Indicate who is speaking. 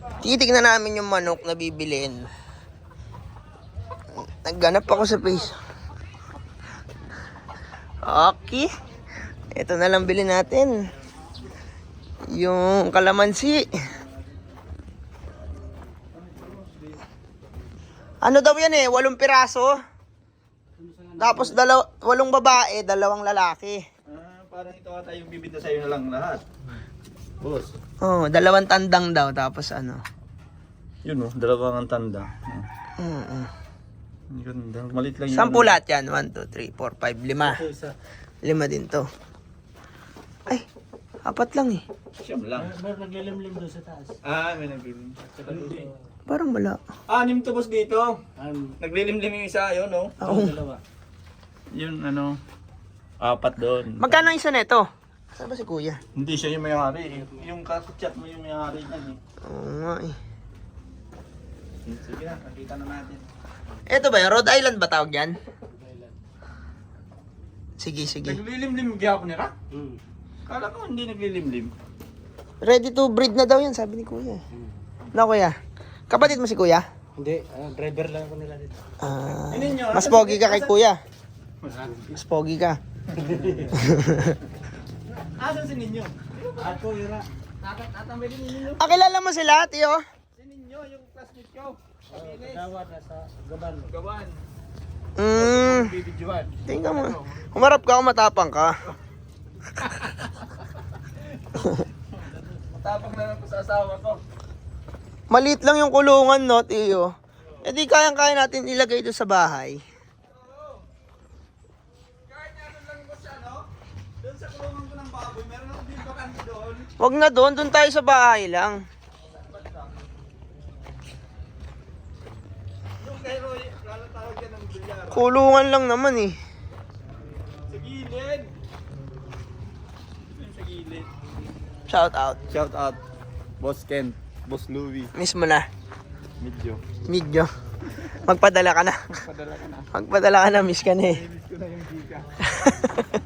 Speaker 1: Titignan namin yung manok na bibilin. Nagganap ako sa face. Okay. Ito na lang bilhin natin. Yung kalamansi. Ano daw yan 8 piraso. Tapos 8 babae, 2 lalaki.
Speaker 2: Parang ito ata yung bibinta sa'yo na lang lahat. Boss.
Speaker 1: Oh, 2 tandang daw. Tapos ano.
Speaker 2: Yun 2 ang tanda. Ganda. Malit lang yun.
Speaker 1: 10 lahat yan. 1, 2, 3, 4, 5, 5. 5 din to. Ay, 4 lang eh.
Speaker 2: Siyam lang.
Speaker 3: May naglilimlim doon sa taas.
Speaker 2: May naglilim.
Speaker 1: Parang wala.
Speaker 2: 6 to boss dito. Naglilimlim yung isa, yun no?
Speaker 1: Oo.
Speaker 2: Yun 4 doon.
Speaker 1: Magkano ang isa nito? Saan ba si kuya?
Speaker 2: Hindi siya yung may-ari. Yung chat mo yung may-ari niyan eh.
Speaker 1: Oo nga eh.
Speaker 2: Sige na, nakita na natin.
Speaker 1: Ito ba yung Rhode Island ba tawag yan? Sige.
Speaker 2: Naglilimlim gyapon nila? Kala ko hindi naglilimlim.
Speaker 1: Ready to breed na daw yan, sabi ni kuya. Na kuya? Kapatid mo si kuya?
Speaker 3: Hindi, driver lang ako nila dito.
Speaker 1: Mas pogi ka kay kuya. Mas pogi ka.
Speaker 2: Asan si Ninyo?
Speaker 3: Ako, Ira.
Speaker 2: Natambay din Ninyo.
Speaker 1: Kilala mo sila, tiyo?
Speaker 2: Si Ninyo, yung classmate ko.
Speaker 3: Gawa na sa Gaban.
Speaker 2: Gawan. Bibidyoan.
Speaker 1: Tingnan mo. Humarap ka, matapang ka.
Speaker 2: Matapang na lang ko sa asawa ko.
Speaker 1: Maliit lang yung kulungan, no, tiyo? E di kayang-kaya natin ilagay doon sa bahay.
Speaker 2: Kahit ano lang ko siya, no? Doon sa kulungan ko ng baboy, meron ako din bakante doon.
Speaker 1: Wag na doon tayo sa bahay lang.
Speaker 2: Yung kay Roy, lalatawag yan ng bilyar.
Speaker 1: Kulungan lang naman eh.
Speaker 2: Sa gilid. Yung sa gilid.
Speaker 1: Shout out.
Speaker 2: Shout out. Boss Ken. Boss Louie.
Speaker 1: Miss mo na.
Speaker 2: Medyo.
Speaker 1: Magpadala ka na.
Speaker 2: Padala ka na.
Speaker 1: Magpadala ka na, miss ka na eh.
Speaker 2: Miss ko na yung giga.